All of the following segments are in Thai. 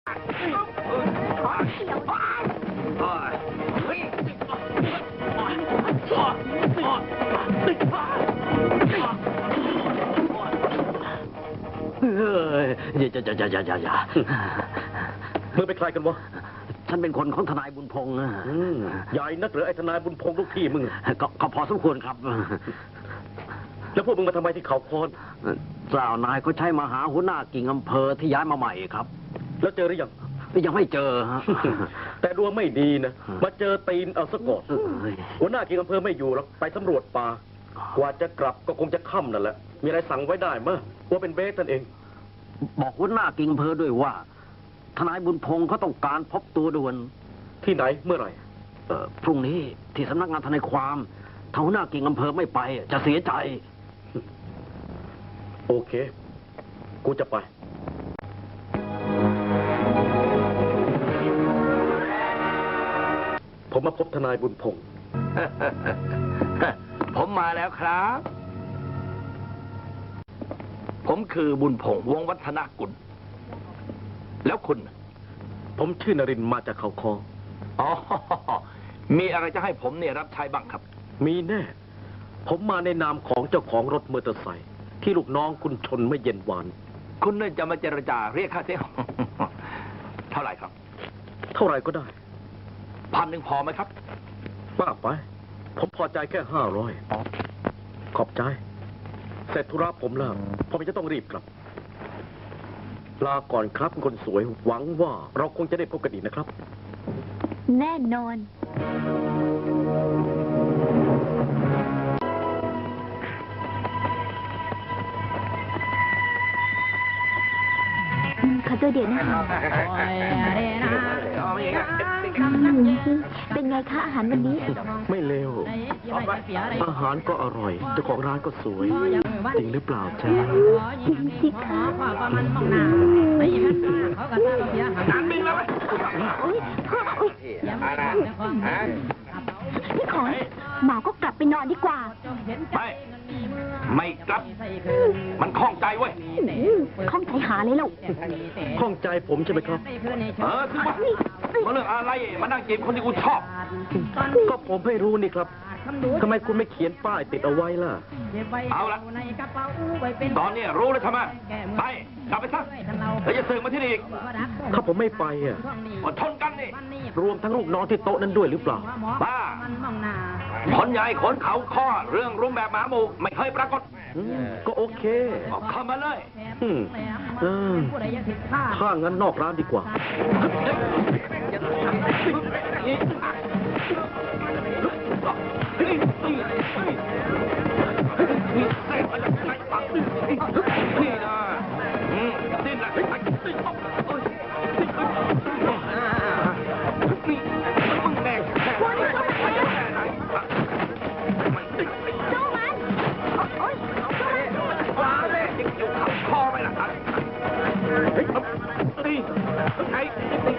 อย่ามึงเป็นใครกันวะฉันเป็นคนของทนายบุญพงษ์ใหญ่นักหรือไอ้ทนายบุญพงษ์ลูกพี่มึงก็พอสมควรครับแล้วพวกมึงมาทำไมที่เขาโคนเจ้านายเขาใช้มาหาหัวหน้ากิ่งอำเภอที่ย้ายมาใหม่ครับแล้วเจอหรือยังยังไม่เจอฮะแต่ดวงไม่ดีนะมาเจอตีนเอาซะก่อนหัวหน้ากิ่งอำเภอไม่อยู่แล้วไปสำรวจป่ากว่าจะกลับก็คงจะค่ำนั่นแหละมีอะไรสั่งไว้ได้มั้ยว่าเป็นเบสนั่นเองบอกหัวหน้ากิ่งอำเภอด้วยว่าทนายบุญพงษ์เขาต้องการพบตัวด่วนที่ไหนเมื่อไหร่พรุ่งนี้ที่สำนักงานทนายความถ้าหัวหน้ากิ่งอำเภอไม่ไปจะเสียใจโอเคกูจะไปผมมาพบทนายบุญพงษ์ผมมาแล้วครับผมคือบุญพงษ์วงศ์วัฒนกุลแล้วคุณผมชื่อนรินทร์มาจากเขาคออ๋อมีอะไรจะให้ผมเนี่ยรับใช้บ้างครับมีแน่ผมมาในนามของเจ้าของรถมอเตอร์ไซค์ที่ลูกน้องคุณชนเมื่อเย็นวานคุณเนี่ยจะมาเจรจาเรียกค่าเสียหายเท่าไหร่ครับเท่าไหร่ก็ได้ 1,000พอไหมครับมากไปผมพอใจแค่500ขอบใจเสร็จธุระผมแล้วผมจะต้องรีบกลับลาก่อนครับคนสวยหวังว่าเราคงจะได้พบกันอีกนะครับแน่นอนขอตัวเดี๋ยวนะคะเป็นไงคะอาหารวันนี้ไม่เลวอาหารก็อร่อยเจ้าของร้านก็สวยจริงหรือเปล่าจ๊ะจริงสิคะพี่ขอนหมอก็กลับไปนอนดีกว่าไม่กลับมันคล่องใจเว้ยคล่องใจหาเลยลูกคล่องใจผมใช่ไหมครับคือว่าเรื่องอะไรมานั่งจีบคนที่กูชอบก็ผมไม่รู้นี่ครับทำไมคุณไม่เขียนป้ายติดเอาไว้ล่ะเอาละตอนนี้รู้แล้วทำไมไปกลับไปซะแล้วจะเสือกมาที่นี่อีกถ้าผมไม่ไปอ่ะอดทนกันนี่รวมทั้งลูกน้องที่โต๊ะนั้นด้วยหรือเปล่าบ้าคนใหญ่ขนเขาข้อเรื่องรุมแบบหมาหมู่ไม่เคยปรากฏก็โอเคเข้ามาเลยถ้างั้นนอกร้านดีกว่านี่นะดิ้นละนี่มึงแดงแค่ไหนสู้มันโอ๊ยว้าเลยเดี๋ยวขับคอไปละนี่ไอ้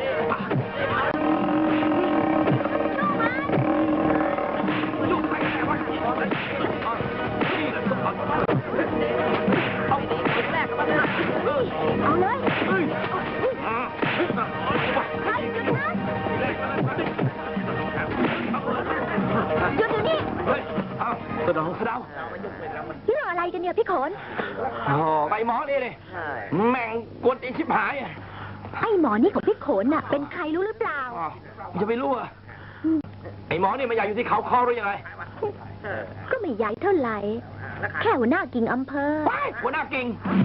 เอาเลยหยุดนี่สะดาวนี่รออะไรกันเนี่ยพี่ขนไปหมอนี่เลยแม่งกวนอีชิบหายไอ้หมอนี่ของพี่ขนน่ะเป็นใครรู้หรือเปล่าจะไปรู้อ่ะไอ้หมอนี่มันอยากอยู่ที่เขาคอหรือยังไงก็ไม่ใหญ่เท่าไหร่แค่หัวหน้ากิ่งอำเภอหัวหน้ากิ่ง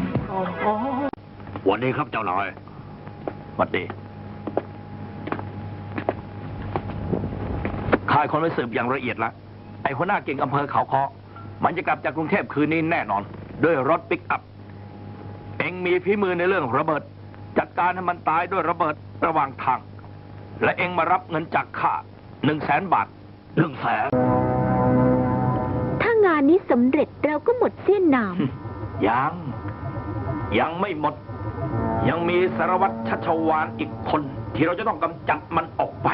วันนี้ครับเจ้านายวันดีข่ายคนไปสืบอย่างละเอียดละไอ้หัวหน้ากิ่งอำเภอเขาคอมันจะกลับจากกรุงเทพคืนนี้แน่นอนด้วยรถปิกอัพเอ็งมีฝีมือในเรื่องระเบิดจัดการให้มันตายด้วยระเบิดระหว่างทางและเอ็งมารับเงินจากข้า100,000 บาท 100,000ถ้างานนี้สำเร็จเราก็หมดเสี้ยนหนามยังไม่หมดยังมีสารวัตรชัชวาลอีกคนที่เราจะต้องกำจัดมันออกไป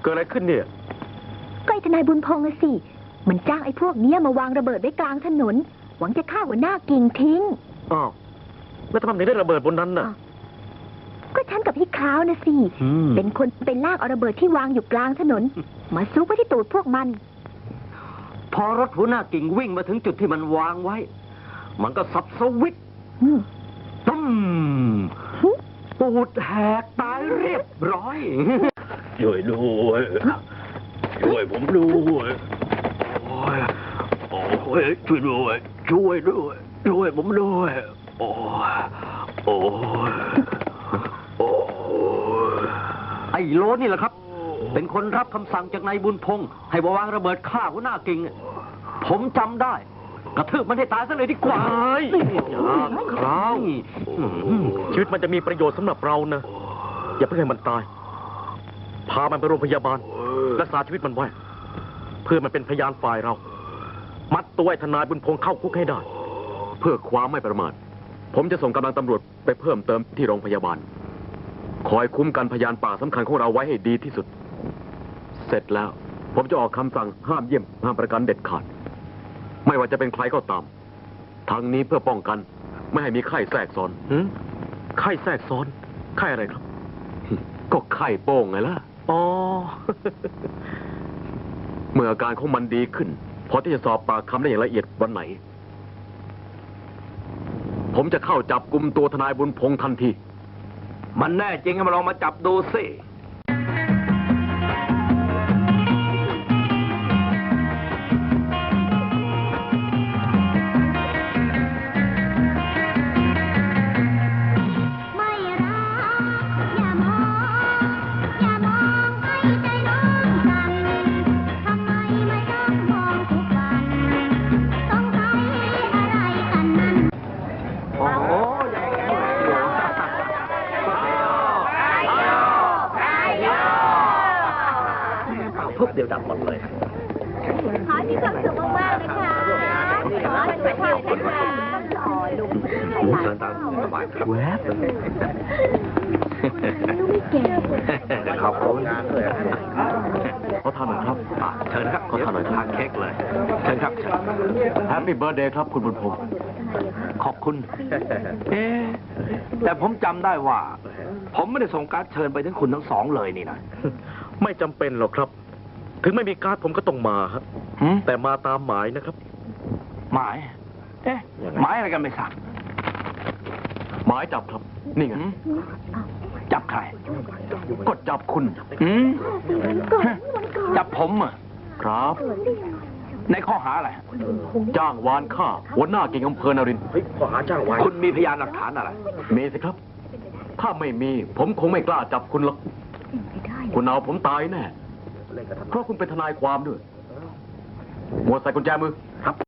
เกิดอะไรขึ้นเนี่ยก็ไอ้ทนายบุญพงษ์อะสิ มันจ้างไอ้พวกเนี้ยมาวางระเบิดไว้กลางถนน หวังจะฆ่าหัวหน้ากิ่งทิ้งอ้าว แล้วทำไมถึงได้ระเบิดบนนั้นน่ะก็ฉันกับพี่คราวนะสิ เป็นคนไปลากเอาระเบิดที่วางอยู่กลางถนน มาซุกไว้ที่ตูดพวกมันพอรถหัวหน้ากิ่งวิ่งมาถึงจุดที่มันวางไว้ มันก็สับสวิตช์อืมตุ้มปูดแหกตายเรียบร้อย ช่วยด้วยช่วยผมด้วยโอ้ยโอ้ยช่วยด้วยช่วยด้วยช่วยผมด้วยโอ้ยโอ้ยโอ้ยไอ้โลนี่แหละครับ เป็นคนรับคำสั่งจากนายบุญพงษ์ให้มาวางระเบิดฆ่าหัวหน้ากิ่งผมจำได้ กระทืบมันให้ตายซะเลยดีกว่าครับชีวิตมันจะมีประโยชน์สำหรับเรานะ อย่าเพิ่งให้มันตาย พามันไปโรงพยาบาล รักษาชีวิตมันไว้ เพื่อมันเป็นพยานฝ่ายเรา มัดตัวไอ้ทนายบุญพงษ์เข้าคุกให้ได้เพื่อความไม่ประมาท ผมจะส่งกำลังตำรวจไปเพิ่มเติมที่โรงพยาบาล คอยคุ้มกันพยานปากสำคัญของเราไว้ให้ดีที่สุด เสร็จแล้ว ผมจะออกคำสั่งห้ามเยี่ยมห้ามประกันเด็ดขาด ไม่ว่าจะเป็นใครก็ตาม ทั้งนี้เพื่อป้องกัน ไม่ให้มีไข้แทรกซ้อนไข้แทรกซ้อน ไข้อะไรครับก็ไข้โป้งไงล่ะอ๋อเมื่ออาการของมันดีขึ้น พอที่จะสอบปากคำได้อย่างละเอียดวันไหน ผมจะเข้าจับกุมตัวทนายบุญพงษ์ทันทีมันแน่จริงก็มาลองมาจับดูสิไม่รักอย่ามองให้ใจน้องกันทำไมไม่ต้องมองทุกวันต้องใช้อะไรกันนั้นโอ้โหทุบเดียวดับหมดเลยขอให้มีความสุขมากๆนะคะขอให้สุขภาพแข็งแรงลุงเดินตามสบายครับแวบลูกไม่แก่ขอบคุณขอทานหน่อยครับเชิญครับขอทานหน่อยครับทานเค้กเลย เชิญครับเชิญแฮปปี้เบิร์ดเดย์ครับคุณบุญพงษ์ขอบคุณ แต่ผมจำได้ว่า ผมไม่ได้ส่งการ์ดเชิญไปถึงคุณทั้งสองเลยนี่นะไม่จำเป็นหรอกครับ ถึงไม่มีการ์ดผมก็ต้องมาครับหืมแต่มาตามหมายนะครับหมาย เอ๊ะยังไงหมายอะไรกันไม่ทราบหมายจับครับ นี่ไงหืมจับใครก็จับคุณหืมจับผมเหรอครับในข้อหาอะไรจ้างวานฆ่าหัวหน้าเก่งอำเภอนรินทร์เฮ้ยข้อหาจ้างวานคุณมีพยานหลักฐานอะไรมีสิครับ ถ้าไม่มี ผมคงไม่กล้าจับคุณหรอก คุณเอาผมตายแน่ เพราะคุณเป็นทนายความด้วยหมวดใส่กุญแจมือครับ